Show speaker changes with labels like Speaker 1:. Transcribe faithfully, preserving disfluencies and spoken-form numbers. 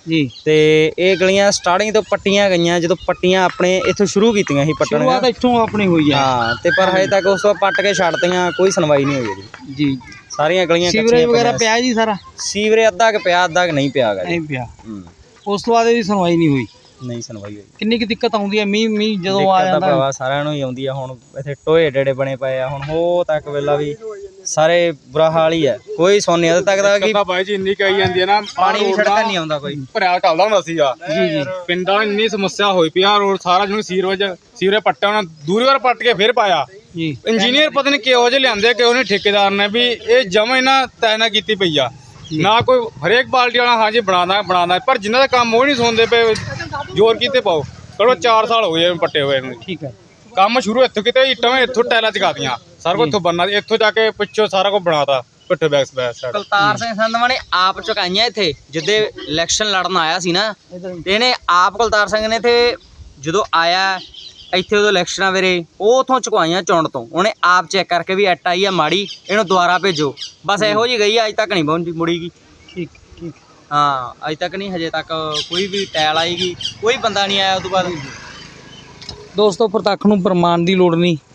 Speaker 1: जी
Speaker 2: ਤੇ ਇਹ ਗਲੀਆਂ ਸਟਾਰਟਿੰਗ ਤੋਂ ਪੱਟੀਆਂ ਗਈਆਂ ਜਦੋਂ ਪੱਟੀਆਂ ਆਪਣੇ ਇੱਥੋਂ ਸ਼ੁਰੂ ਕੀਤੀਆਂ ਸੀ ਪੱਟਣੀਆਂ
Speaker 1: शुरुआत इत्थों अपनी हुई है
Speaker 2: ਹਾਂ ਤੇ ਪਰ ਹਜੇ ਤੱਕ ਉਸ ਤੋਂ ਪੱਟ ਕੇ ਛੱਡਤੀਆਂ ਕੋਈ ਸੁਣਵਾਈ ਨਹੀਂ ਹੋਈ ਇਹਦੀ
Speaker 1: जी
Speaker 2: ਸਾਰੀਆਂ ਗਲੀਆਂ
Speaker 1: सीवरेज वगैरह पिया जी सारा
Speaker 2: ਸੀਵਰੇ ਅੱਧਾ ਕਿ ਪਿਆ ਅੱਧਾ ਕਿ ਨਹੀਂ ਪਿਆ ਗਾ ਜੀ
Speaker 1: नहीं पिया
Speaker 2: ਹੂੰ
Speaker 1: उस तो बाद भी सुनवाई नहीं हुई
Speaker 2: ਨਹੀਂ ਸੁਣਵਾਈ ਹੋਈ
Speaker 1: किन्नी की दिक्कत आउंदी है मीह मीह जदों आ
Speaker 2: ਦਿੱਕਤ ਤਾਂ
Speaker 1: जांदा
Speaker 2: ਭਰਾਵਾ ਸਾਰਿਆਂ ਨੂੰ ਹੀ ਆਉਂਦੀ ਆ ਹੁਣ ਇੱਥੇ ਟੋਏ ਡੇੜੇ ਬਣੇ ਪਏ ਆ ਹੁਣ ਹੋ ਤੱਕ ਵੇਲਾ ਵੀ ਸਾਰੇ ਬੁਰਾ ਹਾਲ ਹੀ ਹੈ ਕੋਈ ਸੋਨੇ ਹਦ ਤੱਕ ਦਾ ਕਿ
Speaker 3: ਤਾਂ ਬਾਈ ਜੀ ਇੰਨੀ ਕਹੀ ਜਾਂਦੀ ਹੈ ਨਾ
Speaker 2: ਪਾਣੀ ਵੀ ਸੜਕਾਂ ਨਹੀਂ ਆਉਂਦਾ ਕੋਈ
Speaker 3: ਭਰਿਆ ਚੱਲਦਾ ਹੁੰਦਾ ਸੀਗਾ
Speaker 1: जी जी
Speaker 3: ਪਿੰਡਾਂ ਵਿੱਚ ਇੰਨੀ ਸਮੱਸਿਆ ਹੋਈ ਪਈ ਆ ਰੋਡ ਸਾਰਾ ਜਿਹਨੂੰ ਸੀਵਰੇਜ ਸੀਵਰੇ ਪੱਟਿਆ ਉਹਨਾਂ ਦੂਰੀ ਵਾਰ ਪੱਟ ਕੇ ਫਿਰ ਪਾਇਆ
Speaker 1: जी
Speaker 3: ਇੰਜੀਨੀਅਰ ਪਤਾ ਨਹੀਂ ਕਿਹੋ ਜਿਹੇ ਲਿਆਂਦੇ ਕਿਹੋ ਜਿਹੇ ਠੇਕੇਦਾਰ ਨੇ ਵੀ ਇਹ ਜਮਾ ਇਹਨਾਂ ਤੈਨਾ ਕੀਤੀ ਪਈ ਆ ਨਾ ਕੋਈ ਹਰੇਕ ਬਾਲਟੀ ਵਾਲਾ ਹਾਂਜੀ ਬਣਾਦਾ ਬਣਾਦਾ ਪਰ ਜਿਨ੍ਹਾਂ ਦਾ ਕੰਮ ਉਹ ਨਹੀਂ ਸੁਣਦੇ ਪਏ ਜ਼ੋਰ ਕੀਤੇ ਪਾਓ ਕਰੋ ਚਾਰ ਸਾਲ ਹੋ ਗਏ ਪੱਟੇ ਹੋਏ ਨੂੰ
Speaker 1: ठीक है
Speaker 3: ਕੰਮ ਸ਼ੁਰੂ ਇੱਥੋਂ ਕਿਤੇ ਇੱਟਾਂ ਇੱਥੋਂ ਟੈਲਾਂ ਚਕਾਤੀਆਂ ਸਾਰਾ ਕੁਝ ਇੱਥੋਂ ਬਣਨਾ ਇੱਥੋਂ ਜਾ ਕੇ ਪਿੱਛੋਂ ਸਾਰਾ ਕੁਝ ਬਣਾਤਾ ਪਿੱਠੇ back back side
Speaker 2: Kultar Singh Sandhwan ਨੇ ਆਪ ਚੁਕਾਈਆਂ ਇੱਥੇ ਜਿੱਦੇ ਇਲੈਕਸ਼ਨ ਲੜਨ ਆਇਆ ਸੀ ਨਾ ਤੇ ਇਹਨੇ ਆਪ ਕੁਲਤਾਰ ਸਿੰਘ ਨੇ ਇੱਥੇ ਜਦੋਂ ਆਇਆ ਇੱਥੇ ਉਦੋਂ ਇਲੈਕਸ਼ਨਾਂ ਵੇਲੇ ਉਹ ਉਥੋਂ ਚੁਕਵਾਈਆਂ ਚੁਣ ਤੋਂ ਉਹਨੇ ਆਪ ਚੈੱਕ ਕਰਕੇ ਵੀ ਐਟ ਆਈ ਆ ਮਾੜੀ ਇਹਨੂੰ ਦੁਬਾਰਾ ਭੇਜੋ ਬਸ ਇਹੋ ਜੀ ਗਈ ਅੱਜ ਤੱਕ ਨਹੀਂ ਪਹੁੰਚੀ ਮੁੜੀਗੀ
Speaker 1: ठीक ठीक
Speaker 2: ਹਾਂ ਅੱਜ ਤੱਕ ਨਹੀਂ ਹਜੇ ਤੱਕ ਕੋਈ ਵੀ ਟੈਲ ਆਏਗੀ ਕੋਈ ਬੰਦਾ ਨਹੀਂ ਆਇਆ ਉਸ ਤੋਂ ਬਾਅਦ
Speaker 1: ਦੋਸਤੋ ਪ੍ਰਤੱਖ ਨੂੰ ਪ੍ਰਮਾਣ ਦੀ ਲੋੜ ਨਹੀਂ